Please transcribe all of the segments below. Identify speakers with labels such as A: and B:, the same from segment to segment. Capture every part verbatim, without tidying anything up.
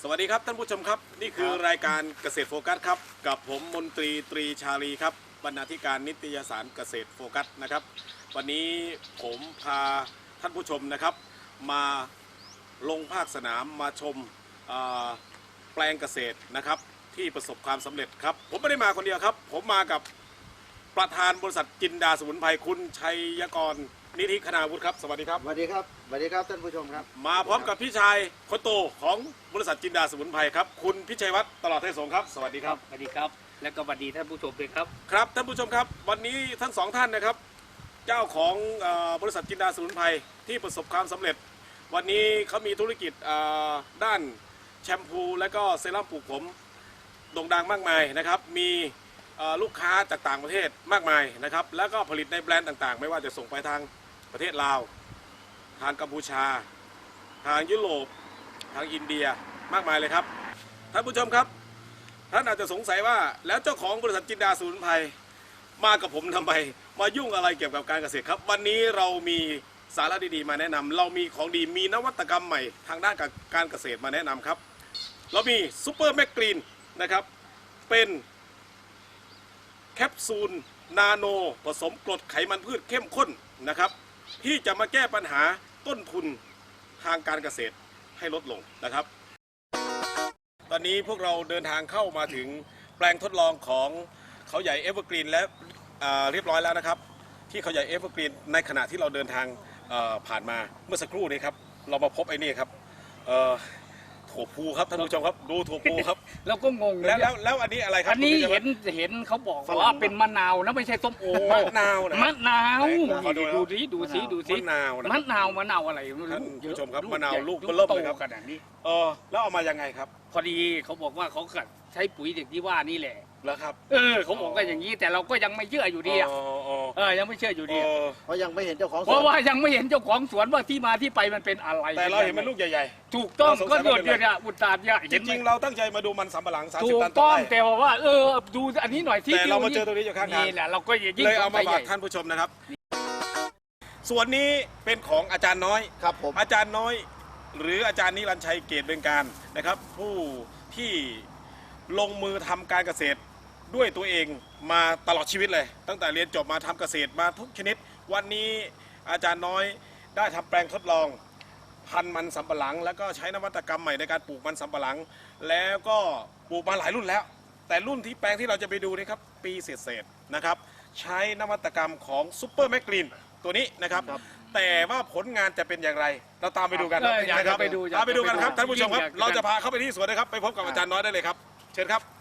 A: วัสดีครับท่านผู้ชมครับนี่คือรายการเกษตรโฟกัสครับกับผมมนตรีตรีชาลีครับบรรณาธิการนิตยสารเกษตรโฟกัสนะครับวันนี้ผมพาท่านผู้ชมนะครับมาลงภาคสนามมาชมแปลงเกษตรนะครับที่ประสบความสำเร็จครับผมไม่ได้มาคนเดียวครับผมมากับประธานบริษัทจินดาสมุนไพรคุณชัยกรนิธิคณาวุฒิครับสวัสดีครับ
B: สวัสดีครับสวัสดีครับท่านผู้ชมครับ
A: มาพร้อมกับพี่ชายคนโตของบริษัทจินดาสมุนไพรครับคุณพิชัยวัฒน์ตลอดเทศสงครับสวัสดีครับ
C: สวัสดีครับและก็สวัสดีท่านผู้ชมด้วยครับ
A: ครับท่านผู้ชมครับวันนี้ทั้งสองท่านนะครับเจ้าของบริษัทจินดาสมุนไพรที่ประสบความสำเร็จวันนี้เขามีธุรกิจด้านแชมพูและก็เซรั่มปลูกผมโด่งดังมากมายนะครับมีลูกค้าจากต่างประเทศมากมายนะครับแล้วก็ผลิตในแบรนด์ต่างๆไม่ว่าจะส่งไปทางประเทศลาวทางกัมพูชาทางยุโรปทางอินเดียมากมายเลยครับท่านผู้ชมครับท่านอาจจะสงสัยว่าแล้วเจ้าของบริษัทจินดาสมุนไพรมากับผมทำไมมายุ่งอะไรเกี่ยวกับการเกษตรครับวันนี้เรามีสาระดีๆมาแนะนำเรามีของดีมีนวัตกรรมใหม่ทางด้านการเกษตรมาแนะนำครับเรามีซูเปอร์แมกกรีนนะครับเป็นแคปซูลนาโนผสมกรดไขมันพืชเข้มข้นนะครับที่จะมาแก้ปัญหาต้นทุนทางการเกษตรให้ลดลงนะครับตอนนี้พวกเราเดินทางเข้ามาถึงแปลงทดลองของเขาใหญ่เอเวอร์กรีนและเรียบร้อยแล้วนะครับที่เขาใหญ่เอเวอร์กรีนในขณะที่เราเดินทางผ่านมาเมื่อสักครู่นี้ครับเรามาพบไอ้นี่ครับถั่วพูครับท่านผู้ชมครับดูถั่วพูครับ
C: เราก็งง
A: แล้วแล้วแล้วอันนี้อะไรครับ
C: อันนี้เห็นเห็นเขาบอกว่าเป็นมะนาวนะไม่ใช่ส้มโอ
A: มะนาวนะ
C: มะนาวดูสิดูสิดูสิ
A: มะนาว
C: มะนาวมะนาวอะไร
A: ท่านผู้ชมครับมะนาวลูกเบิ่มเลยครับ
C: ขนาดนี้
A: เออแล้วเอามายังไงครับ
C: พอดีเขาบอกว่าเขาใช้ปุ๋ยเด็กที่ว่านี่แหละ
A: แล้วครับ
C: เออเขาบอกว่าอย่างนี้แต่เราก็ยังไม่เชื่ออยู่ดีอ่ะเออยังไม่เชื่ออยู่ดี
B: เพราะยังไม่เห็นเจ้าของสวน
C: เพราะว่ายังไม่เห็นเจ้าของสวนว่าที่มาที่ไปมันเป็นอะไร
A: แต่เราเห็นมันลูกใหญ่
C: ๆถูกต้องก็โดดเดี่ยวอุตส่าห์
A: จริงๆเราตั้งใจมาดูมันสำปะหลังสามสิบตัน
C: ต่อไร่แต่ว่าเออดูอันนี้หน่อยที่
A: แต่เรามาเจอตัวนี้อยู่ข้างทาง
C: นี่แหละเราก็ยิ่ง
A: เลยเอามาฝากท่านผู้ชมนะครับส่วนนี้เป็นของอาจารย์น้อย
B: ครับผม
A: อาจารย์น้อยหรืออาจารย์นิรันดร์ชัยเกตเบืองการนะครับผู้ที่ลงมือทำการเกษตรด้วยตัวเองมาตลอดชีวิตเลยตั้งแต่เรียนจบมาทำเกษตรมาทุกชนิดวันนี้อาจารย์น้อยได้ทำแปลงทดลองพันธุ์มันสำปะหลังแล้วก็ใช้นวัตกรรมใหม่ในการปลูกมันสำปะหลังแล้วก็ปลูกมาหลายรุ่นแล้วแต่รุ่นที่แปลงที่เราจะไปดูนี่ครับปีเศษๆนะครับใช้นวัตกรรมของซูเปอร์แมกกรีนตัวนี้นะครับแต่ว่าผลงานจะเป็นอย่างไรเราตามไปดูกันนะครับ
C: ไปดู
A: ตามไปดูกันครับท่านผู้ชมครับเราจะพาเข้าไปที่สวนนะครับไปพบกับอาจารย์น้อยได้เลยครับเชิญครับ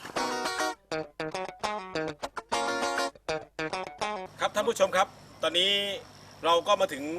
A: ครับท่านผู้ชมครับตอนนี้เราก็มาถึง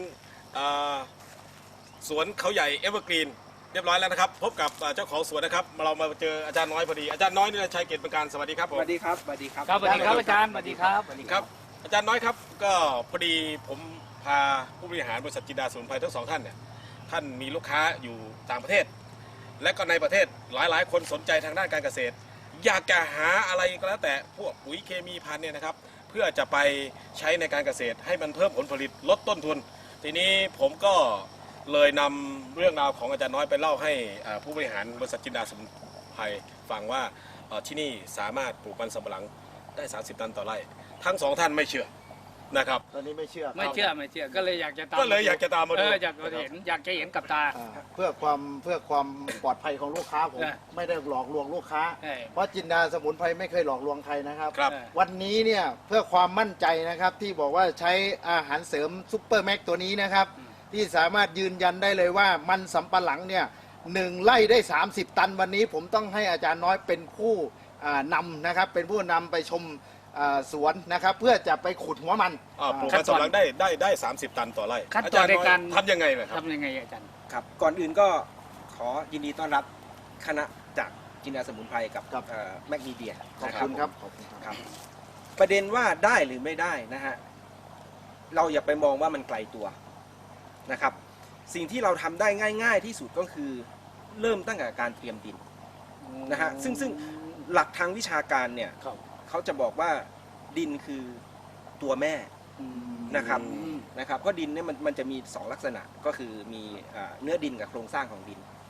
A: สวนเขาใหญ่เอเวอร์กรีนเรียบร้อยแล้วนะครับพบกับเจ้าของสวนนะครับเรามาเจออาจารย์น้อยพอดีอาจารย์น้อยนี่ชัยเกตเบืองการสวัสดีครับผม
B: สวัสดีครับสวัสดีครับ
C: ครับสวัสดีครับอาจารย์สวัสดีครับสวัสดี
A: ครับอาจารย์น้อยครับก็พอดีผมพาผู้บริหารบริษัทจินดาสมุนไพรทั้งสองท่านเนี่ยท่านมีลูกค้าอยู่ต่างประเทศและก็ในประเทศหลายๆคนสนใจทางด้านการเกษตรอยากจะหาอะไรก็แล้วแต่พวกปุ๋ยเคมีพันธุ์เนี่ยนะครับเพื่อจะไปใช้ในการเกษตรให้มันเพิ่มผลผลิตลดต้นทุนทีนี้ผมก็เลยนำเรื่องราวของอาจารย์น้อยไปเล่าให้ผู้บริหารบริษัทจินดาสมุนไพรฟังว่าที่นี่สามารถปลูกมันสำปะหลังได้สามสิบตันต่อไร่ทั้งสองท่านไม่เชื่อนะครับ
B: ตอนนี้ไม่เชื่อ
C: ไม่เชื่อไม่เชื่อก็เลยอยากจะตาม
A: ก็เลยอยากจะตามมาดู
C: อยากจะเห็นอยากจะเห็นกับตา
B: เพื่อความเพื่อความปลอดภัยของลูกค้าผมไม่ได้หลอกลวงลูกค้าเพราะจินดาสมุนไพรไม่เคยหลอกลวงใครนะครับวันนี้เนี่ยเพื่อความมั่นใจนะครับที่บอกว่าใช้อาหารเสริมซุปเปอร์แม็กตัวนี้นะครับที่สามารถยืนยันได้เลยว่ามันสำปะหลังเนี่ยหนึ่งไร่ได้สามสิบตันวันนี้ผมต้องให้อาจารย์น้อยเป็นผู้นำนะครับเป็นผู้นำไปชมสวนนะครับเพื่อจะไปขุดหัวมัน
A: ปลูกมันสำปะหลังได้ได้ได้สามสิบตันต่อไร่
C: อาจารย์ในการ
A: ทำยังไงเลยครับ
C: ทำยังไงอาจารย์
D: ครับก่อนอื่นก็ขอยินดีต้อนรับคณะจากจินดาสมุนไพรกับแมกนีเดีย
B: ขอบคุณครับ
D: ครับประเด็นว่าได้หรือไม่ได้นะฮะเราอย่าไปมองว่ามันไกลตัวนะครับสิ่งที่เราทำได้ง่ายๆที่สุดก็คือเริ่มตั้งแต่การเตรียมดินนะฮะซึ่งซึ่งหลักทางวิชาการเนี่ยเขาจะบอกว่าดินคือตัวแม่นะครับนะครับเพราะดินเนี่ยมันมันจะมีสองลักษณะก็คือมีเนื้อดินกับโครงสร้างของดิน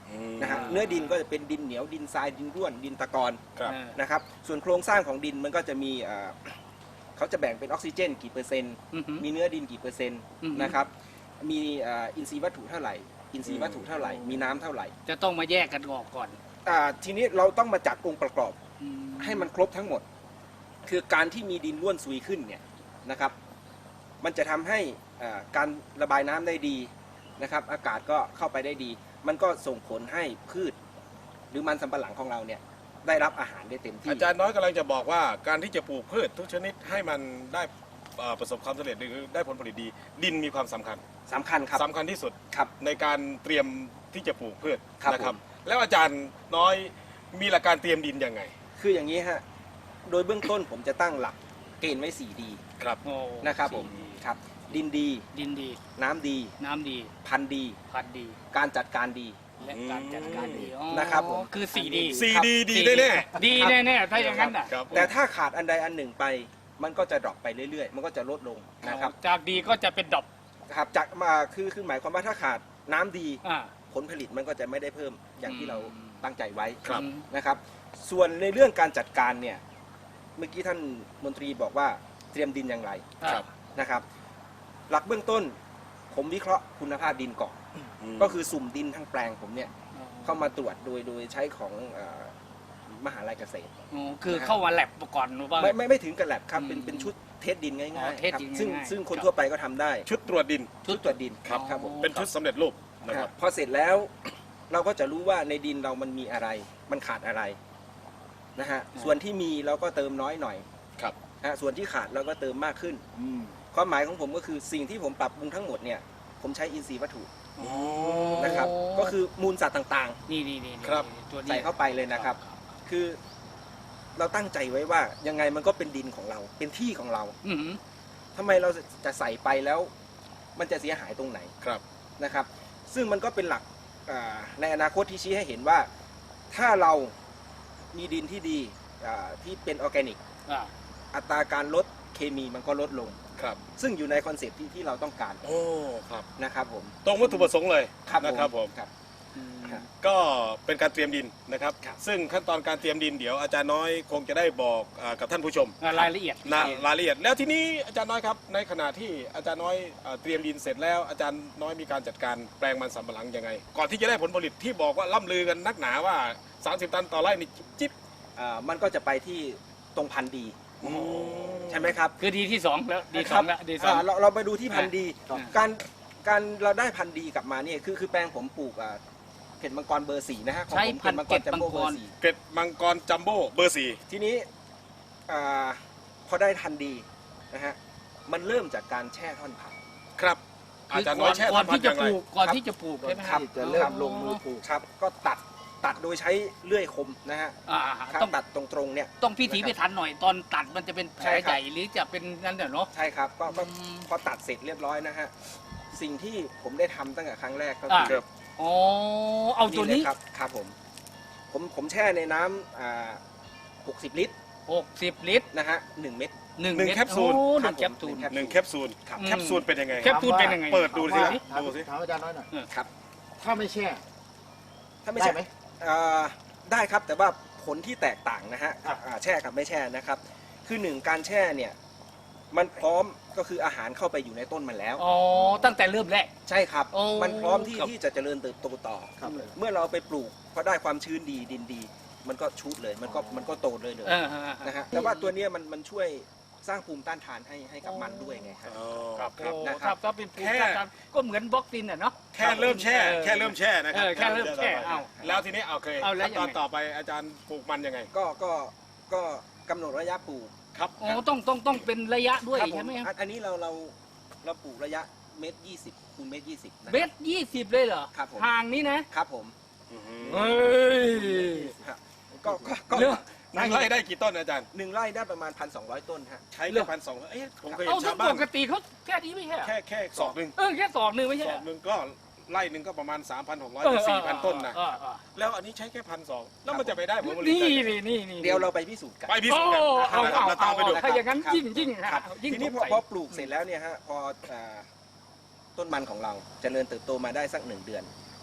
D: นะฮะเนื้อดินก็จะเป็นดินเหนียวดินทรายดินร่วนดินตะกอน
A: ครับ
D: นะครับส่วนโครงสร้างของดินมันก็จะมีเอ่อเขาจะแบ่งเป็นออกซิเจนกี่เปอร์เซ็นต์
C: อือหือ
D: มีเนื้อดินกี่เปอร์เซ็นต์
C: อือหือ
D: นะครับมีเอ่ออินทรีย์วัตถุเท่าไหร่อินทรีย์วัตถุเท่าไหร่มีน้ำเท่าไหร่
C: จะต้องมาแยกกันออกก่อน
D: อ่าทีนี้เราต้องมาจัดองค์ประกอบ
C: อืม
D: ให้มันครบทั้งหมด คือการที่มีดินร่วนซุยขึ้นเนี่ยนะครับมันจะทำให้อ่าการระบายน้ำได้ดีนะครับอากาศก็เข้าไปได้ดี มันก็ส่งผลให้พืช หรือมันสำปะหลังของเราเนี่ยได้รับอาหารได้เต็มที่
A: อาจารย์น้อยกำลังจะบอกว่าการที่จะปลูกพืชทุกชนิดให้มันได้เอ่อประสบความสำเร็จหรือได้ผลผลิตดี ดินมีความสำคัญ
D: สำคัญครับ
A: สำคัญที่สุด
D: ครับ
A: ในการเตรียมที่จะปลูกพืช
D: ครับ
A: นะครับ
D: ผม
A: แล้วอาจารย์น้อยมีหลักการเตรียมดินยังไง
D: คืออย่างนี้ฮะโดยเบื้องต้นผมจะตั้งหลักเกณฑ์ไว้สี่ดี
A: ครับ
C: โอ้
D: นะครับผม
C: สี่
D: ครับดินดี
C: ดินดี
D: น้ำดี
C: น้ำดี
D: พันธุ์ดี
C: พันธุ์ดี
D: การจัดการดี
C: และการจัดการดีอ๋อ
D: นะครับผม
C: คือสี่ดี
A: สี่
D: ครับ
A: ดีดี
C: สี่
A: แน่
C: ดีแน่ๆถ้าอย่างนั้นน่ะ
A: ๆครับ
D: แต่ถ้าขาดอันใดอันหนึ่งไป มันก็จะดรอปไปเรื่อยๆ มันก็จะลดลงนะครับ
C: จากดีก็จะเป็นดอก
D: ครับจากมาคือคือหมายความว่าถ้าขาดน้ำดี
C: อ่า
D: ผลผลิตมันก็จะไม่ได้เพิ่มอย่างที่เรา
C: อืม
D: ตั้งใจไว้
A: ครับ
D: นะครับ ส่วนในเรื่องการจัดการเนี่ยเมื่อกี้ท่านมนตรีบอกว่าเตรียมดินอย่างไร
A: ครับ
D: นะครับ หลักเบื้องต้นผมวิเคราะห์คุณภาพดินก่อน
A: ม
D: ก็คือสุ่มดินทั้งแปลงผมเนี่ยเข้ามาตรวจโดยโดยใช้ของเอ่อมหาลัยเกษตร
C: อ๋อคือเข้ามาแลบก่อนหรือว่า
D: ไม่ไม่ไม่ถึงกับแลบครับ
C: อืม
D: เป็นเป็นชุดเทสดินง่าย
C: อ๋อ
D: ๆ
C: เทส
D: ครับ
C: ดิน
D: ซึ่ง
C: ง่ายๆ
D: ซึ่งคน
C: ครับ
D: ทั่วไปก็ทำได้
A: ชุดตรวจดิน
D: ชุดตรวจดิน
A: ครับ
D: ครับผม
A: เป็นชุดสำเร็จรูปนะ
D: ค
A: ค
D: รั
A: รั
D: บบ พอเสร็จแล้ว เราก็จะรู้ว่าในดินเรามันมีอะไร มันขาดอะไรนะฮะส่วนที่มีเราก็เติมน้อยหน่อย
A: ครับ
D: นะฮะส่วนที่ขาดเราก็เติมมากขึ้น
B: อืม
D: ความหมายของผมก็คือสิ่งที่ผมปรับปรุงทั้งหมดเนี่ยผมใช้อินทรีย์วัตถุ
C: อ๋อ
D: นะครับก็คือมูลสัตว์ต่าง
C: นี่นี่นี่นี่
A: ครับ
C: ตัว
D: ๆ
C: นี้
D: ใส่เข้าไปเลยนะครับ คือเราตั้งใจไว้ว่ายังไงมันก็เป็นดินของเรา เป็นที่ของเรา
C: อือหือ
D: ทำไมเราจะใส่ไปแล้ว มันจะเสียหายตรงไหน
A: ครับ
D: นะครับ ซึ่งมันก็เป็นหลักอ่าในอนาคตที่ชี้ให้เห็นว่า ถ้าเรามีดินที่ดีอ่าที่เป็นออร์แกนิก
C: อ่า
D: อัตราการลดเคมีมันก็ลดลง
A: ครับ
D: ซึ่งอยู่ในคอนเซปต์ที่ที่เราต้องการ
A: โอ้ครับ
D: นะครับผม
A: ตรงวัตถุประสงค์เลย
D: ครับ
A: นะครับผม
D: ครับ
C: อืม
D: ครับ
A: ก็เป็นการเตรียมดินนะครับ
D: ครับ
A: ซึ่งขั้นตอนการเตรียมดินเดี๋ยวอาจารย์น้อยคงจะได้บอกอ่ากับท่านผู้ชม
C: อ่ารายละเอียด
A: นะรายละเอียดแล้วทีนี้อาจารย์น้อยครับในขณะที่อาจารย์น้อยเอ่อเตรียมดินเสร็จแล้วอาจารย์น้อยมีการจัดการแปลงมันสำปะหลังยังไง ก่อนที่จะได้ผลผลิตที่บอกว่าล่ำลือกันนักหนาว่าสามสิบตันต่อไร่นี่จิ๊บ
D: อ่ามันก็จะไปที่ตรงพันธุ์ดี
A: อืม
D: ใช่ไหมครับ
C: คือดีที่สองแล้วดีสองแล้วดีสอง
D: อ่าเราเราไปดูที่พันธุ์ดี
C: ครับ
D: การการเราได้พันธุ์ดีกลับมาเนี่ยคือคือแปลงผมปลูกอ่าเห็ดมังกรเบอร์สี่นะฮะของ
C: ใช้
D: ผม
C: พันธุ์เกล็ด
D: จัมโบ้
C: มังกร
D: เบอร์สี่
A: เกร็ดมังกรจัมโบ้เบอร์สี่
D: ทีนี้อาพอได้พันธุ์ดีนะฮะมันเริ่มจากการแช่ท่อนผัก
A: ครับ อาจารย์น้อยแช่
C: ก่อน
A: ทำพัน
C: ที่
A: ธุ์
C: จะ
A: อย่าง
C: ป
A: ไร
C: ลูกก่อนที่จะปลูกใช่ไหม
D: ครับ
B: ที่จะเริ่มลงมือปลูก
D: ครับ ก็ตัดตัดโดยใช้เลื่อยคมนะฮะ
C: อ่า
D: ครับ
C: ต้อง
D: ตัดตรงๆเนี่ย
C: ต้องพิถีพิถันหน่อยตอนตัดมันจะเป็นแผ
D: ใช่
C: ล
D: ครับ
C: ใหญ่หรือจะเป็นนั่นเดี๋ยวเนาะ
D: ใช่ครับก็ก็
C: อืม
D: พอตัดเสร็จเรียบร้อยนะฮะสิ่งที่ผมได้ทำตั้งแต่ครั้งแรกก็
C: อ่า
D: คือ
C: อ๋อเอาตัวนี้
D: เลยครับครับผมผมผมแช่ในน้ำอ่าหกสิบลิตร
C: หกสิบลิตร
D: นะฮะหนึ่งเม็ด
C: หนึ่ง
A: หนึ่ง
C: เม็ด
A: แคปซูล
C: โอ้ห
D: ครั
C: นึ่
D: บ
C: งแคปซูล
D: ผม
A: หนึ่งแคปซูล
D: ครับ
A: แคปซูลเป็นยังไง
C: แคปซูลเป็นยังไง
A: เปิดดูสิ
B: ถาม
A: ดูสิ
B: ถามอาจารย์น้อยหน่อย
D: ครับ
B: ถ้าไม่แช่
D: ถ้าไม่
B: ได้
D: ใช่
B: ไหม
D: อ่าได้ครับแต่ว่าผลที่แตกต่างนะฮะ
B: ครับ
D: อ่าแช่กับไม่แช่นะครับ คือหนึ่งการแช่เนี่ยมันพร้อมก็คืออาหารเข้าไปอยู่ในต้นมันแล้ว
C: อ๋อตั้งแต่เริ่มแรก
D: ใช่ครับ
C: โอ้
D: มันพร้อมที่
C: ครับ
D: ที่จะเจริญเติบโตต่อ
B: ครับ
D: เมื่อเราไปปลูกพอได้ความชื้นดีดินดี มันก็ชุดเลยมันก็
B: อ๋อ
D: มันก็โตเลยเลย
C: เออฮะ
D: นะฮะแต่ว่าตัวเนี้ยมันมันช่วยสร้างภูมิต้านทานให้ให้กับมันด้วยไงครับ
A: อ๋อ
C: ครับ
D: ครับ
C: โอ้
D: นะค
C: ค
D: รั
C: รับ บถ้าเป็นปลูก
A: แค่
C: กันก็เหมือนบล็อกซินอ่ะเนาะ
A: แค่เริ่มแช่
C: เออ
A: แค่เริ่มแช่นะครั
C: เออแค่เริ่มแช่เอา
A: แล้วทีนี้เอาเคย
C: เอาแล้ว
A: ขั้นตอน
C: ยังไง
A: ต่อไปอาจารย์ปลูกมันยังไง
D: ก็ก็ก็กำหนดระยะปลูก
A: ครับ
C: โอ้ต้องต้องต้องเป็นระยะด้วย
D: ครับผ
C: ใช่ไหม
D: อันอันนี้เราเราเราปลูกระยะเมตรยี่สิบคูณเมตรยี่สิบนะ
C: เมตรยี่สิบเลยเหรอ
D: ครับผม
C: ห่างนี้นะครับ
D: ผม
C: เฮ้ย
D: ฮะก็ก็ก็
C: เรื่อง
A: หนึ่งไร่ได้กี่ต้นอาจารย์
D: หนึ่งไร่ได้ประมาณพันสองร้อยต้นฮะ
A: ใช้แค่พันสองเอ๊ะผมเคยเห็
C: เอา
A: น
C: ซึ่
A: ชาง วบ้า
C: ป
A: น
C: กติเขาแค่นี้ไม่ใช่เหรอ
A: แค่แค่สอบหนึ่ง
C: เออแค่สองหนึ่งไม่ใช่
A: ส
C: เหร
A: อ
C: อบ
A: หนึ่งก็ไร่หนึ่งก็ประมาณ สามพันหกร้อย
C: เอ
A: ถึ
C: อง
A: สี่พันต้นนะ
C: เออเออ
A: แล้วอันนี้ใช้แค่พันสองแล้วมันจะไปได้ผลผลิต
C: นี่
A: ได้
C: นี่นี่นี่
D: เดี๋ยวเราไปพิสูจน์กัน
A: ไปพิ
C: โอ้
A: สูจน์กัน
C: เอา
A: นะครับ
C: เอา
A: เราตา
C: เอา
A: มไปดู
C: ถ้าอย่างนั้น
D: ครับ
C: ยิ่งยิ่ง
D: ค
C: ฮะ
D: รับ
C: ยิ่ง
D: ทีนี้พ
C: ส
D: อง
C: สัย
D: พอปลูกเสร็จแล้วเนี่ยฮะพออ่าต้นมันของเราเจริญเติบโตมาได้สักหนึ่งเดือน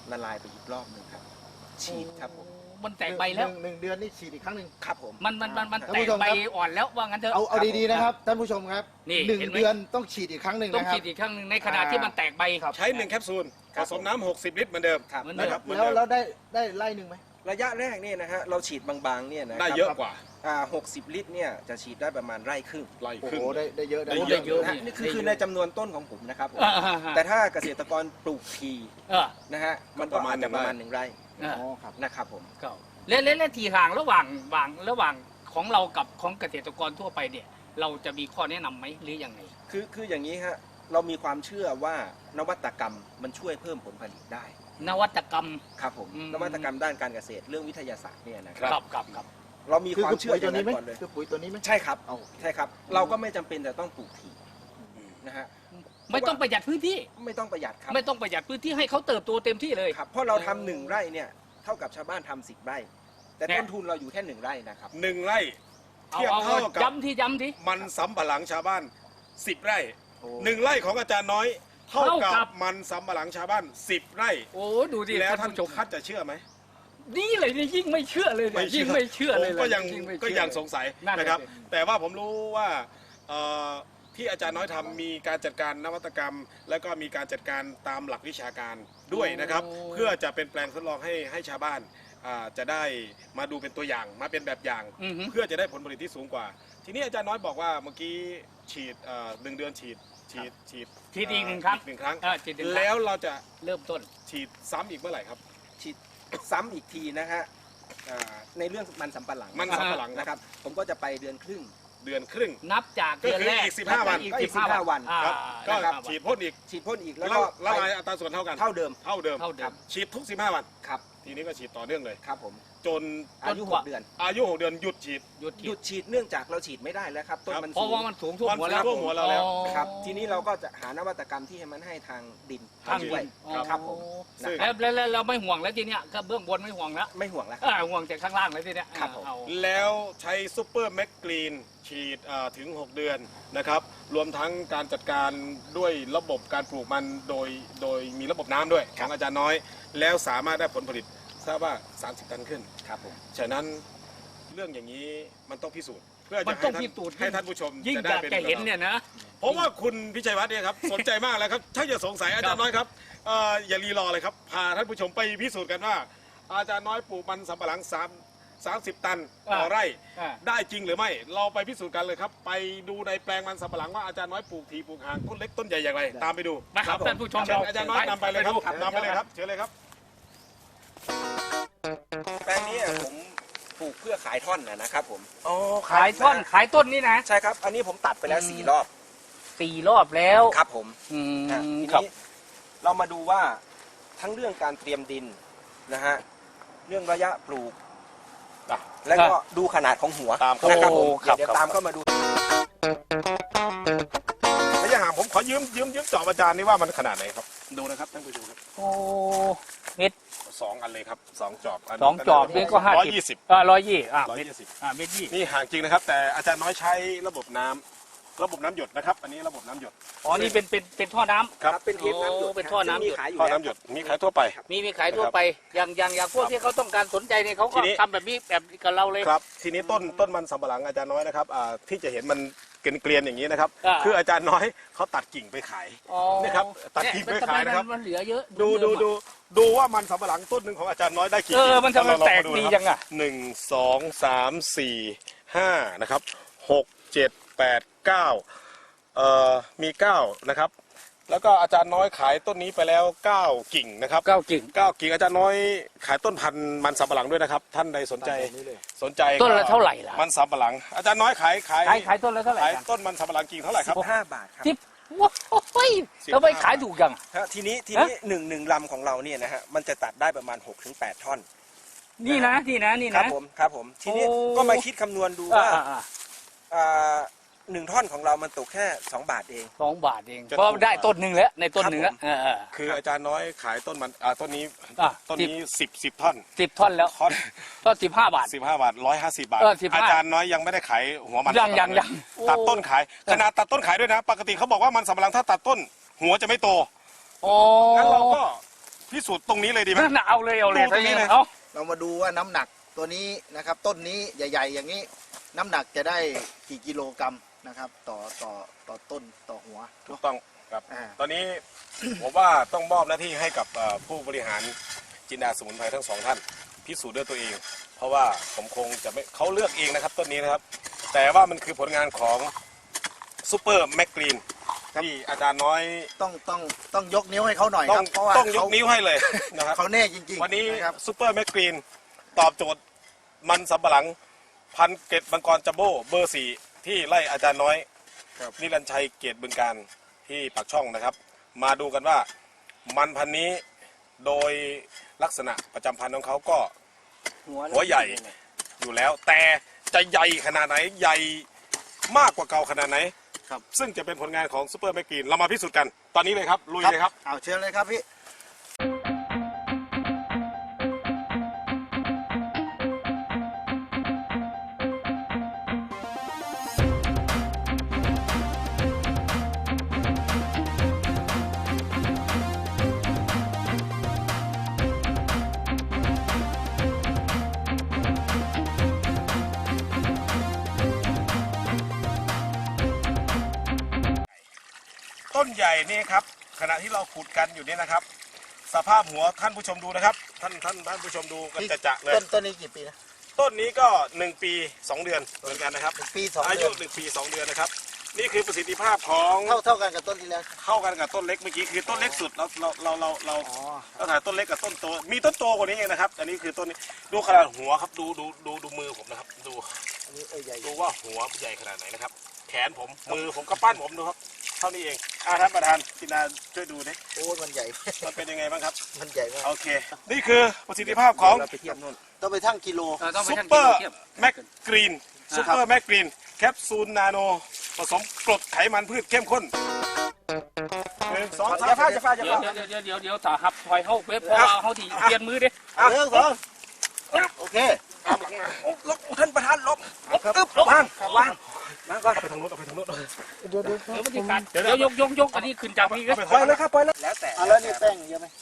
D: ละลายไปอีกรอบหนึ่งครับฉีดครับผม
C: มันแตกใบแล้ว
B: หนึ่งหนึ่งเดือนนี่ฉีดอีกครั้งหนึ่ง
D: ครับผม
C: มันมันมันมัน
B: ท่าน
C: แต
B: ผู้
C: ก
B: ชม
C: ใบ
B: ครับ
C: อ่อนแล้วว่างั้นเถอะ
B: เอาเอาดีๆนะครับท่านผู้ชมครับ
C: นี่
B: หนึ่ง
C: เห็นไหม
B: เดือนต้องฉีดอีกครั้งหนึ่ง
C: ต้อง
B: นะครับ
C: ฉีดอีกครั้งหนึ่งในขณะที่มันแตกใบ
A: ใช้หนึ่งแคปซูลผสมน้ำหกสิบลิตรเหมือนเดิม
D: ครับ
C: เหมือนเดิม
A: นะครับเหมือน
B: แล้ว
A: เดิม
B: แล้วได้ได้ไล่หนึ่งไหม
D: ระยะแรกเนี่ยนะฮะเราฉีดบางๆเนี่ยนะ
A: ได้
D: ครับ
A: เยอะกว่า
D: อ่าหกสิบลิตรเนี่ยจะฉีดได้ประมาณไร่ครึ่ง
A: ไล่
B: โอ้
A: ครึ่
B: โห
A: ง
B: ได้ได้เยอะนะ
A: ได้
C: ได้เยอะ
D: นะฮะนี่คือคือในจำนวนต้นของผมนะครับผม
C: อ่าอ่าอ่า
D: แต่ถ้าเกษตรกรปลูกที
C: เออ
D: นะฮะมันก็อาจจะประมาณหนึ่งไร่
C: เออ
B: อ๋อครับ
D: นะครับผม
C: ก็และและและทีห่างระหว่างระหว่างระหว่างของเรากับของเกษตรกรทั่วไปเนี่ย เราจะมีข้อแนะนำไหมหรือยังไง
D: คือคืออย่างนี้ฮะเรามีความเชื่อว่านวัตกรรมมันช่วยเพิ่มผลผลิตได้
C: นวัตกรรม
D: ครับผม
C: อืม
D: นวัตกรรมด้านการเกษตรเรื่องวิทยาศาสตร์เนี่ยนะค
C: ครับ รับครับครับ
D: เรามี
B: คือ
D: ความ
B: คือ
D: เชื่อ
B: ปุ๋ย
D: อ
B: ตัว
D: ย่าง
B: นี้
D: นั้น
B: ไหม
D: ก่อนเลย
B: คือปุ๋ยตัวนี้ไหม
D: ใช่ครับ
B: เอา
D: ใช่ครับ เราก็ไม่จำเป็นจะต้องปลูกทีนะฮะ
C: ไม่ต้องประหยัดพื้นที่
D: ไม่ต้องประหยัดครับ
C: ไม่ต้องประหยัดพื้นที่ให้เขาเติบโตเต็มที่เลย
D: ครับเพราะเราทำหนึ่งไร่เนี่ยเท่ากับชาวบ้านทำสิบไร่ แต่
C: เนี่ย
D: ต้นทุนเราอยู่แค่หนึ่งไร่นะครับ
A: หนึ่งไร่
C: เอา
A: เทียบ
C: เอา
A: เท่ากับ
C: ย้ำที่ย้ำที่
A: มันสำปะหลังชาวบ้านสิบไร่
B: โอ้
A: หนึ่งไร่ของอาจารย์น้อย เท่า
C: เท่ากั
A: กับบ มันสำปะหลังชาวบ้านสิบไร่
C: โอ้ดูดิ
A: แล้ว
C: ท่า
A: ท่าน น
C: ผู้ชม
A: ท่านจะเชื่อไหม
C: นี่เลยนี่ยิ่งไม่เชื่อเลยเนี่ยยิ่งไม่เชื่อเลย
A: ผมก็ยัง
C: ยิ่ไม่
A: ก็
C: เชื่อ
A: ยังสงสัย
C: นั่นแหละ
A: นะครับ
C: สิ
A: แต่ว่าผมรู้ว่าเอ่อที่อาจารย์น้อยทำมีการจัดการนวัตกรรม และก็มีการจัดการตามหลักวิชาการด้วยนะครับ เพื่อจะเป็นแปลงทดลองให้ให้ชาวบ้านอ่าจะได้มาดูเป็นตัวอย่างมาเป็นแบบอย่าง
C: อือฮึ
A: เพื่อจะได้ผลผลิตที่สูงกว่า ทีนี้อาจารย์น้อยบอกว่าเมื่อกี้ฉีดเอ่อหนึ่งเดือนฉีดฉีดฉีด
C: ฉีดอีกหนึ่งครั้ง
A: หนึ่งครั้ง
C: เออฉีดหนึ่งครั้ง
A: แล้วเราจะ
C: เริ่มต้น
A: ฉีดซ้ำอีกเมื่อไหร่ครับ
D: ฉีดซ้ำอีกทีนะฮะอ่าในเรื่องมันสำปะหลัง
A: มันสำปะหลัง
D: นะ
A: นะ
D: ค
A: ค
D: รั
A: รับ บ
D: ผมก็จะไปเดือนครึ่ง
A: เดือนครึ่ง
C: นับจาก
A: ก็
C: เดือน
A: คือ
C: แรก
A: อีกสิบห้าวัน
C: อีก
D: ก็อี
C: สิ
D: ก
C: บห้า
D: สิบห้าวั
C: วัน
D: น
C: อ่า
A: ครับก็
C: นะครับ
A: ฉีดพ่นอีก
D: ฉีดพ่นอีกแล้
A: แล้ว ว
D: ก็
A: ละ
D: ไป
A: ลายอัตราส่วนเท่ากัน
D: เท่าเดิม
A: เท่าเดิม
C: เท่าเดิม
A: ฉีดทุกสิบห้าวัน
D: ครับ
A: ทีนี้ก็ฉีดต่อเนื่องเลย
D: ครับผม
A: จน
D: อายุ
C: จน
D: ห
C: กว่า
D: กเดือน
A: อายุหกเดือนหยุดฉีด
C: หยุด
D: หยุดฉีดเนื่องจากเราฉีดไม่ได้แล้วครับต้น
A: ครับ
D: มัน
C: เพราะ
D: สู
C: ว่าง มันสูงท่วม
A: มัน
C: หัวแล้ว
A: ท่วมหัวเราแล้ว
C: อ๋อ
D: ครับทีนี้เราก็จะหานวัตกรรมที่ให้มันให้ทางดิน
C: ทาง
D: ช่วย
C: ดิน
D: ครับผม
A: ซึ่ง
D: นะครับ
C: แล้วแล้วแล้วเราไม่ห่วงแล้วทีเนี้ยก็เบื้องบนไม่ห่วงแล้ว
D: ไม่ห่วงแล้วค
C: อ่า
D: รับ
C: ห่วงแต่ข้างล่างเลยทีเนี้ย
D: ครับผม
C: เอา
A: แล้วใช้ซูเปอร์แมกกรีนฉีดอ่าถึง หก เดือนนะครับ รวมทั้งการจัดการด้วยระบบการปลูกมันโดยโดยมีระบบน้ำด้วยของอาจารย์น้อย แล้วสามารถได้ผลผลิตทราบว่า สามสิบ ตันขึ้น
D: ครับผม
A: ฉะนั้นเรื่องอย่างนี้มันต้องพิสูจน์ เพื่อ
C: มั
A: จะ
C: น
A: ให้
C: ต้อง
A: ท่าน
C: พิสูจน์
A: ให้ท่านผู้ชม
C: ยิ่ง
A: จะ
C: อ
A: ได้
C: ยาก
A: เป็น
C: จะเห็นเนี่ยนะ
A: เพราะว่าคุณพิชัยวัฒน์เนี่ยครับสนใจมากแล้วครับถ้าจะสงสัยอาจารย์น้อยครับเอ่ออย่ารีรอเลยครับพาท่านผู้ชมไปพิสูจน์กันว่า อาจารย์น้อยปลูกมันสำปะหลังสามสามสิบตันต่อไร่
C: อ่า
A: ได้จริงหรือไม่ เราไปพิสูจน์กันเลยครับ ไปดูในแปลงมันสำปะหลังว่าอาจารย์น้อยปลูกทีปลูกห่างต้นเล็กต้นใหญ่อย่างไร ตามไปดู
C: นะครับท่านผู้ชม
A: เชิญ
C: เรา
A: อาจารย์น้อยนำไปเลยครับ
C: ไปดู
A: นำไปเลยครับเชิญเลยครับ
D: แปลงนี้ผมปลูกเพื่อขายท่อนนะนะครับผม
A: อ๋อ
C: ขายท่อนขายต้นนี่นะ
D: ใช่ครับ อันนี้ผมตัดไปแล้วสี่รอบ
C: สี่รอบแล้ว
D: ครับผม
C: อืม
D: นะที
C: ครับ
D: นี้เรามาดูว่าทั้งเรื่องการเตรียมดินนะฮะเรื่องระยะปลูก
A: อ่ะ
D: แล้วก็ดูขนาดของหัว
A: ตามเข้า
D: นะครับผม
C: โอ้ครับ
D: เดี๋ยว
C: ครับ
D: ตามเข้ามาดู
A: ระยะห่างผมขอยืมยืมยืมจอบอาจารย์นี่ว่ามันขนาดไหนครับ ดูนะครับท่านผู้ชมครับ
C: โอ้เม็ด
A: สองอันเลยครับสองจอบน
C: สองจอบนี่ก็ห้า
A: ร้อย
C: สิบ
A: ยี่สิบ
C: อ่าร้อยยี่อ่า
A: ร้อย
C: เม็ด
A: ยี่สิบ
C: อ่าเม็ดยี่
A: นี่ห่างจริงนะครับ แต่อาจารย์น้อยใช้ระบบน้ำระบบน้ำหยดนะครับ อันนี้ระบบน้ำหยด
C: อ๋อนี่เป็นเป็นเป็นท่อน้ำ
A: ครับ
D: เป็นเทปน้ำหยด
C: โอ้เป็นท่อน้ำหยด
D: ซึ่งมีขายอยู่
A: ท่อ
D: แล้ว
A: น้ำหยดมีขายทั่วไป
C: มีมีขายทั่วไปอย่างอย่างอย่างพวกที่เขาต้องการสนใจเนี่ยเขา
A: ที
C: ก็
A: นี้
C: ทำแบบนี้แบบกับเราเลย
A: ครับ ทีนี้ต้นต้นมันสำปะหลังอาจารย์น้อยนะครับอ่าที่จะเห็นมันเกลียนๆอย่างนี้นะครับ
C: อ่า
A: คืออาจารย์น้อยเขาตัดกิ่งไปขาย
C: อ๋อ
A: นี่ครับตัด
C: เนี่ย
A: กิ่ง
C: มัน
A: ไป
C: ทำไม
A: ขายนะครับ
C: มันเหลือเยอะ
A: ดูดู
C: เยอะ
A: ดูดูว่ามันสำปะหลังต้นหนึ่งของอาจารย์น้อยได้กี่
C: เออ
A: กิ่ง
C: มันทำไม
A: เราลอง
C: แตก
A: มา
C: ดี
A: นะครับ
C: จังอะ
A: หนึ่งสองสามสี่ห้านะครับหกเจ็ดแปดเก้าเอ่อมีเก้านะครับ แล้วก็อาจารย์น้อยขายต้นนี้ไปแล้วเก้ากิ่งนะครับ
C: เก้ากิ่ง
A: เก้ากิ่งอาจารย์น้อยขายต้นพันธุ์มันสำปะหลังด้วยนะครับ ท่านใดสนใจ
B: แบบนี้เลย
A: สนใจ
C: ต้นละ
A: ก็
C: เท่าไหร่ล่ะ
A: มันสำปะหลัง อาจารย์น้อยขายขาย
C: ขายขายต้นละเท่าไหร่
A: ขาย
C: กัน
A: ต้นมันสำปะหลังกิ่งเท่าไหร่ครับ
D: สิบห้าบาทครับ
C: สิบว้าวทำไมขายถูกจัง
D: ฮะทีนี้ทีนี้หนึ่งหนึ่งลำของเราเนี่ยนะฮะมันจะตัดได้ประมาณหกถึงแปดท่อน
C: นี่นะนี่นะนี่
D: ครั
C: นะ
D: บผมครับผมทีนี้
C: โอ้
D: ก็มาคิดคำนวณดู
C: อ่า
D: ว่า
C: อ่าอ่า
D: อ่าหนึ่งท่อนของเรามันตกแค่สองบาทเอง
C: สองบาทเอง
A: จะ
C: เพราะ
A: ถูก
C: ได้
A: กว่า
C: ต้นหนึ่งแล้วในต้นหนึ่งแล้ว
D: ครับผม
C: เออ
A: คืออาจารย์น้อยขายต้นมันอ่าต้นนี้
C: อ่ะ
A: ต้นนี้สิบสิบท่อน
C: สิบท่อนแล้ว
A: ท่อน
C: ก็สิบห้าบาท
A: สิบห้าบาทร้อยห้าสิบบาท
C: เออสิบห้า
A: อาจารย์น้อยยังไม่ได้ขายหัวมัน
C: ยัง
A: สำปะหลั
C: ยังยัง
A: ตัดต้นขายขนาดตัดต้นขายด้วยนะ ปกติเขาบอกว่ามันสำปะหลังถ้าตัดต้น หัวจะไม่โต
C: โอ้
A: งั้นเราก็พิสูจน์ตรงนี้เลยดีไหม
C: นั่นน่ะเอาเลยเอาเลย
A: ดูตรงนี้เลย
C: เอา
B: เรามาดูว่าน้ำหนักตัวนี้นะครับ ต้นนี้ใหญ่ ๆ อย่างนี้ น้ำหนักจะได้กี่กิโลกรัมนะครับ ต่อต่อต่อต้นต่อหัว
A: ถูกต้องครับ
B: อ่า
A: ตอนนี้ ผมว่าต้องมอบหน้าที่ให้กับเอ่อผู้บริหารจินดาสมุนไพรทั้งสองท่านพิสูจน์ด้วยตัวเอง เพราะว่าผมคงจะไม่เขาเลือกเองนะครับต้นนี้นะครับ แต่ว่ามันคือผลงานของซูเปอร์แมกกรีนที่อาจารย์น้อย
B: ต้องต้องต้องยกนิ้วให้เขาหน่อย
A: ต้
B: ค
A: อ
B: รั
A: ง
B: บเพราะว่า
A: ต้องยก
B: เขา
A: นิ้วให้เลยนะครับ
B: เขาแน่จริงๆ
A: วันนี้
B: นะครับ
A: ซูเปอร์แมกกรีนตอบโจทย์มันสำปะหลังพันเกตมังกรจัมโบ้เบอร์สี่ที่ไล่อาจารย์น้อยนิรันดร์ชัยเกตบึงการที่ปากช่องนะครับ มาดูกันว่ามันพันธุ์นี้โดยลักษณะประจำพันธุ์ของเขาก็ หัวใหญ่อยู่แล้ว แต่จะใหญ่ขนาดไหนใหญ่มากกว่าเก่าขนาดไหน
B: ครับ
A: ซึ่งจะเป็นผลงานของซูเปอร์แมกกรีนเรามาพิสูจน์กันตอนนี้เลยครับลุยเลยครับ
B: เอาเชิญเลยครับพี่
A: ต้นใหญ่นี่ครับขณะที่เราขุดกันอยู่นี่นะครับ สภาพหัวท่านผู้ชมดูนะครับ ท่านท่านท่านผู้ชมดูกันจะจะเลย
B: ต้นต้นนี้กี่ปีนะ
A: ต้นนี้ก็หนึ่งปีสองเดือนเหมือนกันนะครับ
B: หนึ่งปีสอง
A: อา
B: เดื
A: ยุ
B: อน
A: หนึ่งปีสองเดือนนะครับ นี่คือประสิทธิภาพของ
B: เท่าเท่ากันกับต้นที่แล้ว
A: เข้ากันกับต้นเล็กเมื่อกี้คือต้นเล็กสุดเราเราเราเราเรา
B: อ๋อ
A: เราถ่ายต้นเล็กกับต้นโตมีต้นโตกว่านี้เองนะครับ อันนี้คือต้นนี้ดูขนาดหัวครับดูดูดูดูมือผมนะครับ ดู
B: อันนี้เอ้ยใหญ่
A: ดูว่าหัวใหญ่ขนาดไหนนะครับ แขนผมมือผมก็ปั้นผมดูครับเท่านี้เองอ่าท่านประธานกินาช่วยดูดิ
B: โอ้ยมันใหญ่
A: มันเป็นยังไงบ้างครับ
B: มันใหญ่มาก
A: โอเค นี่คือประสิทธิภาพของ
D: เราไปเทียบนู่น
B: ต้องไปทั้งกิโล
C: เออต้องไป
A: ซุป
C: ทั้ง
A: เปอร์
C: เทียบ
A: แมกกรีนซุปเปอร์แมกกรีนแคปซูลนาโนผสมกรดไขมันพืชเข้มข้นหนึ่งสองสาม
D: จะฟาดจะฟาดจะ
C: เดี๋ยว
D: ฟาด
C: เดี๋ยวเดี๋ยวเดี๋ยวเดี๋ยวถ้าหับถอยเข้าเว็บเพราะว่าเขาที่เปลี่ยนมือเด้
B: เอาเรื่องสองโอเค
D: โอ้ลบท่านประธานลบลบอึ๊บวางวางวางก่อน
A: ไปทางโน้นเอาไปทางโน้น
B: เดี๋ยวเดี๋ยว
C: เดี๋ยวมันจะกัดเดี๋ยวยกยกยกอันนี้ขึ้นจากนี่ก็
D: ปล่อยเลยครับปล่อยเลยแล้วแต่
B: เอาแล้วนี่แป้งเยอะไหม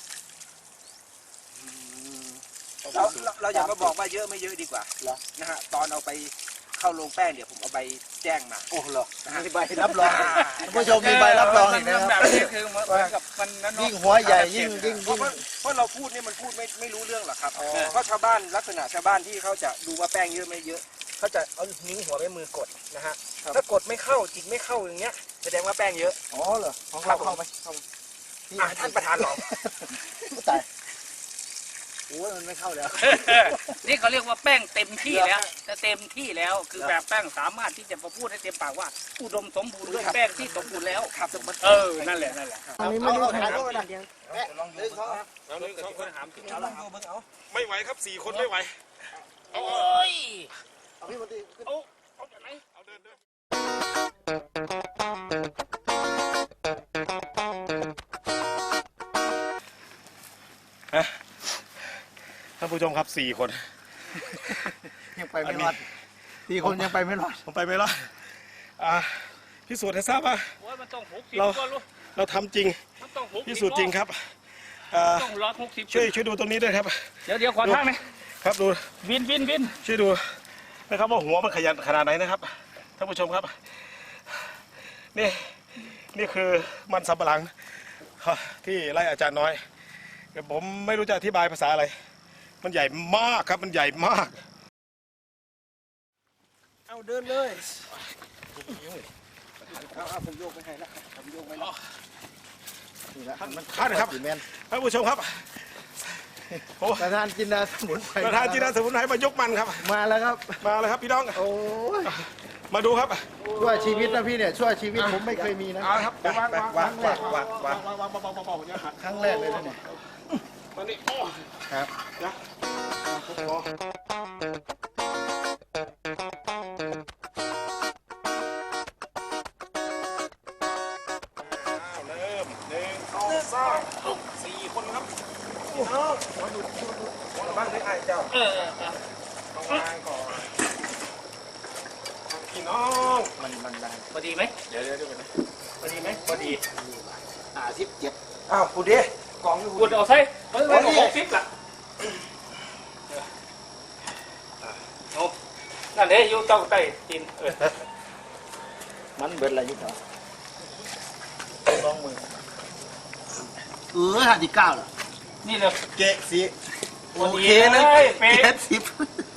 D: เราเราเราอย่ามาบอกว่าเยอะไม่เยอะดีกว่านะฮะตอนเอาไปเข้าโรงแป้งเดี๋ยวผมเอาใบแจ้งมา
B: โอ้เหรอมีใบรับรองท่านผู้ชมมีใบรับรองอีกนะค
C: แบ
B: รั
C: บบ นี้คือเหมือนกับมันนั่น
B: ยิ่ง
C: เนาะ
B: หัวใหญ่ยิ่งยิ่ง
D: เพ
B: ยิ่
D: ราะ
B: ง
D: ว่าเพราะเราพูดนี่มันพูดไม่ไม่รู้เรื่องหรอกครับเพราะชาวบ้านลักษณะชาวบ้านที่เขาจะดูว่าแป้งเยอะไม่เยอะเขาจะเอานิ้วหัวไปมือกดนะฮะถ้ากดไม่เข้าจิกไม่เข้าอย่างเงี้ยแสดงว่าแป้งเยอะ
B: อ๋อเหรอของเราเข้าไหมเข้าไหม
D: อ่ะท่านประธานลอง
B: ตายโอ้ยมันไม่เข้าแล้ว
C: นี่เขาเรียกว่าแป้งเต็มที่แล้วแต่เต็มที่แล้วคือแบบแป้งสามารถที่จะมาพูดให้เต็มปากว่าอุดมสมบูรณ์ด้วยแป้งที่สมบูรณ์แล้วเออนั่นแหละนั่นแหละ
B: อันนี้ไม่รู้ถ่ายรูปไปนะแม่ลองดูเขา
A: เอาหนึ่งสองคน
C: ถามที่
D: เอาลองดูเบิ่งเอา
A: ไม่ไหวครับสี่คนไม่ไหว
C: โอ้ย
B: เอาพี่มนตรีขึ้น
C: เอาเอาจากไหน
A: เอาเดินเดินท่านผู้ชมครับสี่คน
B: ยังไปไม่รอดสี่คนยังไปไม่รอด
A: ผมไปไม่รอดอ่าพิสูจน์ให้ทราบว่า
C: โอ้ยมันต้องหกสิบ
A: เรา
C: ก็รู้
A: เราทำจริง
C: มันต้องหกสิบ
A: พิสูจน์จริงครับอ่า
C: ต้องร้อยหกสิบ
A: ช่วยช่วยดูตรงนี้ด้วยครับ
C: เดี๋ยวเดี๋ยวขอทางหน่อย
A: ครับดู
C: วินวินวิน
A: ช่วยดูนะครับว่าหัวมันขยันขนาดไหนนะครับท่านผู้ชมครับ นี่นี่คือมันสำปะหลังที่ไล่อาจารย์น้อยแต่ผมไม่รู้จะอธิบายภาษาอะไร มันใหญ่มากครับมันใหญ่มาก
D: เอาเดินเลยเอาเอาผมโยกไปให้ละผมโยกไปละ
B: นี่ละมัน
A: ท่านครับ
B: สี่แมน
A: ท่านผู้ชมครับโอ้
B: ประธานจินดาสมุนไพร
A: ประธานจีนสมุนไพรมายกมันครับ
B: มาแล้วครับ
A: มาเลยครับพี่น้อง
B: โอ้ย
A: มาดูครับ
B: ชั่วชีวิตนะพี่เนี่ยชั่วชีวิตผมไม่เคยมีนะ
A: เอาครับวางวางวางวางวางวางวางวางวางวางวางวางอย่าหัก
B: ครั้งแรกเลยนะเนี่ย
A: มานี่โอ้
B: ครับ
A: นะเริ่มหนึ่งสองสามสี่คนครับพี่น้องมาดูหัวบ้านได้ไอ้เจ้า
C: เออเออเออ
A: ต้องวางก่อนพี่น้อง
B: มันมันได้
C: พอดีไหม
A: เดี๋ยวเดี๋ยวเดี๋ยว
C: พอดีไหมพอดี
B: อ่าสิบเจ็ด
D: อ้าวพูดดิกองอยู่
C: กดเอาใส่เฮ้ยมันหกสิบละเอานั่นเด้อยู่ต้องใต้ตีนเออ
B: มันเบิดอะไรอยู่ครับลองมือเออห้าสิบเก้าล่ะ
C: นี่เลย
B: เจ๊สิโอเค
C: เล
B: เลย
C: ยเป๊ะ
B: เจ็ดสิบ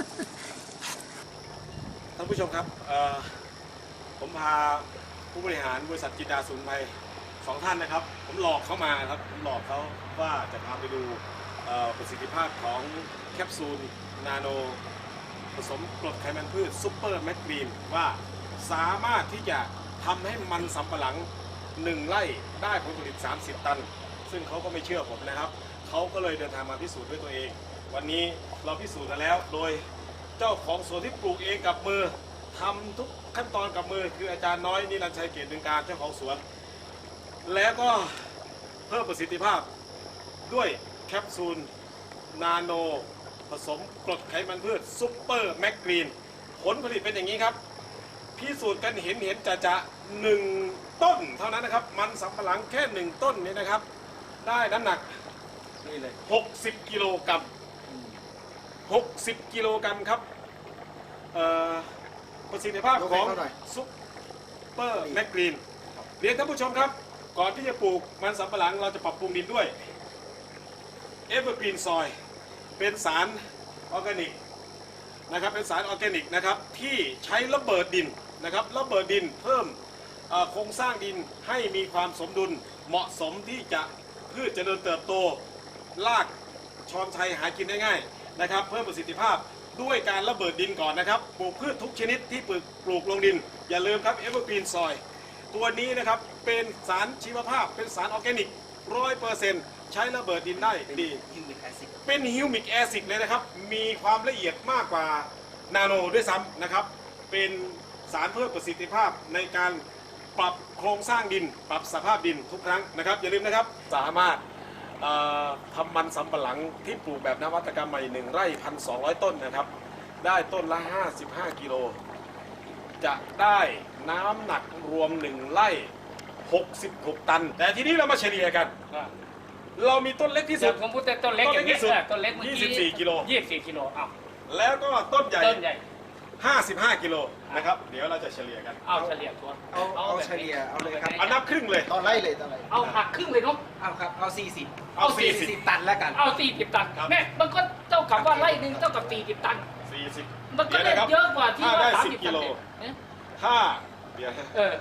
A: ท่านผู้ชมครับเอ่อผมพาผู้บริหารบริษัทจินดาสมุนไพรสองท่านนะครับ ผมหลอกเขามาครับผมหลอกเขาว่าจะพาไปดูเอ่อประสิทธิภาพของแคปซูลนาโนผสมกรดไขมันพืชซุปเปอร์แมกนีนว่าสามารถที่จะทำให้มันสำปะหลังหนึ่งไร่ได้ผลผลิตสามสิบตัน ซึ่งเขาก็ไม่เชื่อผมนะครับเขาก็เลยเดินทางมาพิสูจน์ด้วยตัวเอง วันนี้เราพิสูจน์กันแล้วโดยเจ้าของสวนที่ปลูกเองกับมือทำทุกขั้นตอนกับมือคืออาจารย์น้อยนิรันดร์ชัยเกตดึงการเจ้าของสวน แล้วก็เพิ่มประสิทธิภาพด้วยแคปซูลนาโนผสมกรดไขมันพืชซุปเปอร์แมกนีนผลผลิตเป็นอย่างนี้ครับพิสูจน์กันเห็นเห็นจะจะหนึ่งต้นเท่านั้นนะครับมันสำปะหลังแค่หนึ่งต้นนี้นะครับได้น้ำหนัก
B: นี่เลย
A: หกสิบกิโลกรัมหกสิบกิโลกรัมครับเอ่อประสิทธิภาพของซุปเปอร์แมกนีนเรียนท่านผู้ชมครับก่อนที่จะปลูกมันสำปะหลังเราจะปรับปรุงดินด้วยเอเวอร์กรีนซอยเป็นสารออร์แกนิกนะครับเป็นสารออร์แกนิกนะครับที่ใช้ระเบิดดินนะครับระเบิดดินเพิ่มเอ่อโครงสร้างดินให้มีความสมดุลเหมาะสมที่จะพืชเจริญเติบโตรากชอนชัยหากินได้ง่ายนะครับเพิ่มประสิทธิภาพด้วยการระเบิดดินก่อนนะครับปลูกพืชทุกชนิดที่ปลูกปลูกลงดินอย่าลืมครับเอเวอร์กรีนซอยตัวนี้นะครับเป็นสารชีวภาพเป็นสารออร์แกนิกร้อยเปอร์เซ็นต์ใช้ระเบิดดินได้ดี
D: ฮิวมิกแอซิด
A: เป็นฮิวมิกแอซิดเลยนะครับ มีความละเอียดมากกว่านาโนด้วยซ้ำนะครับ เป็นสารเพิ่มประสิทธิภาพในการปรับโครงสร้างดิน ปรับสภาพดินทุกครั้งนะครับ อย่าลืมนะครับ สามารถเอ่อทำมันสำปะหลังที่ปลูกแบบนวัตกรรมใหม่หนึ่งไร่พันสองร้อยต้นนะครับ ได้ต้นละ ห้าสิบห้ากิโล จะได้น้ำหนักรวมหนึ่งไร่หกสิบหกตัน แต่ทีนี้เรามาเฉลี่ยกัน เรามีต้นเล็กที่สุ
C: เดี๋ย
A: ด
C: วผมพูดแต่ต้นเล็กอย่างนี้
A: ต้นเล็กที่สุด
C: เออต้นเล็กเมื่อกี้
A: ยี่สิบสี่กิโล
C: ยี่สิบสี่กิโลอ้าว
A: แล้วก็ต้นใหญ่
C: ต้นใหญ่
A: ห้าสิบห้ากิโลนะครับ เดี๋ยวเราจะเฉลี่ยกัน
C: เอาเฉลี่ยตัว
D: เอาเอา
C: แบบ
D: เฉลี่ยเอาเลยครับ
A: เอานับครึ่งเลย
B: ตอนไล่เลยตอนไล่
C: เอาหักครึ่งเลยเนาะ
D: เอาครับเอาสี่สิบ
A: เอาสี่สิบ
D: สิบตันแล้วกัน
C: เอาสี่สิบตัน
A: ครับ
C: แม่มันก็เท่ากับว่าไร่หนึ่งเท่ากับสี่สิบตัน
A: สี่สิบ
C: มันก็
A: เดี๋ยว
C: ได้
A: นะครับ
C: เยอะกว่าที่
A: ถ้า
C: ว่า
A: ได้
C: สาม
A: สิบ
C: สิบ
A: กิโล
C: เอ๊ะ
A: ถ้าเดี๋ยวนะ
C: เออก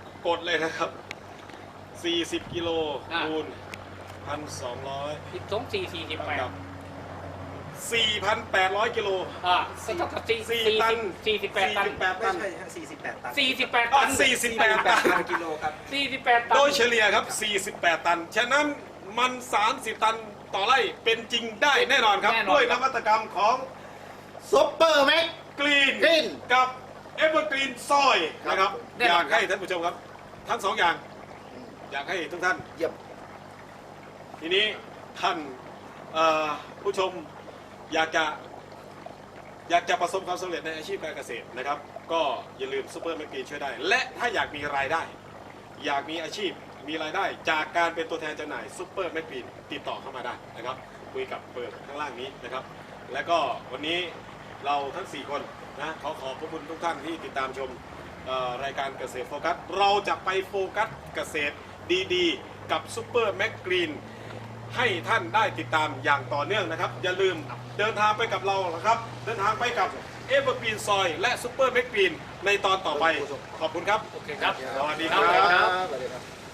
A: ดเลยนะครับสี่สิบกิโล
C: อ่า
A: คูณพันสองร้อย
C: สิบสองสี่สี่สิบแปด
A: กับสี่พันแปดร้อยกิโล
C: อ่าก็เท่ากับสี่
A: สี่
C: สี่
A: ตัน
C: สี่สิบแปดตัน
A: สี่สิบแปด
D: ไม่
A: ตัน
D: ใช่ฮะสี่สิบแปดตัน
C: สี่สิบแปด
A: อ๋อ
C: ตัน
A: สี่สิบแปด
D: แป
A: ตั
D: ด
A: น
D: พันกิโลครับ
C: สี่สิบแปดตัน
A: โดยเฉลี่ยครับ สี่สิบแปด ตัน ฉะนั้นมัน สามสิบ ตันต่อไร่เป็นจริงได้แน่นอนครับ
C: แน่นอน
A: ด้วยนวัตกรรมของ
B: ซุปเปอร์แม็ก
A: กรีน
B: Green
A: กับเอเวอร์กรีนซอยนะครับ อยากให้ท่านผู้ชมครับ ทั้งสองอย่าง อยากให้ทุกท่าน
B: เยี่ยม
A: ทีนี้ท่านเอ่อผู้ชมอยากจะอยากจะประสบความสำเร็จในอาชีพการเกษตรนะครับ ก็อย่าลืมซูเปอร์แมกนีนช่วยได้ และถ้าอยากมีรายได้ อยากมีอาชีพมีรายได้ จากการเป็นตัวแทนจำหน่ายซูเปอร์แมกนีนติดต่อเข้ามาได้นะครับคุยกับเบอร์ข้างล่างนี้นะครับ และก็วันนี้เราทั้งสี่คนนะขอขอบพระคุณทุกท่านที่ติดตามชมเอ่อรายการเกษตรโฟกัสเราจะไปโฟกัสเกษตรดีๆ กับซูเปอร์แมกนีนให้ท่านได้ติดตามอย่างต่อเนื่องนะครับ อย่าลืมเดินทางไปกับเรานะครับ เดินทางไปกับเอเวอร์กรีนซอยและซูเปอร์แมกนีนในตอนต่อไป ขอบคุณครับ
C: โอเคครับ
A: สวัสดีค
C: ครั
A: รับ
C: บ
B: สวัสดีครับ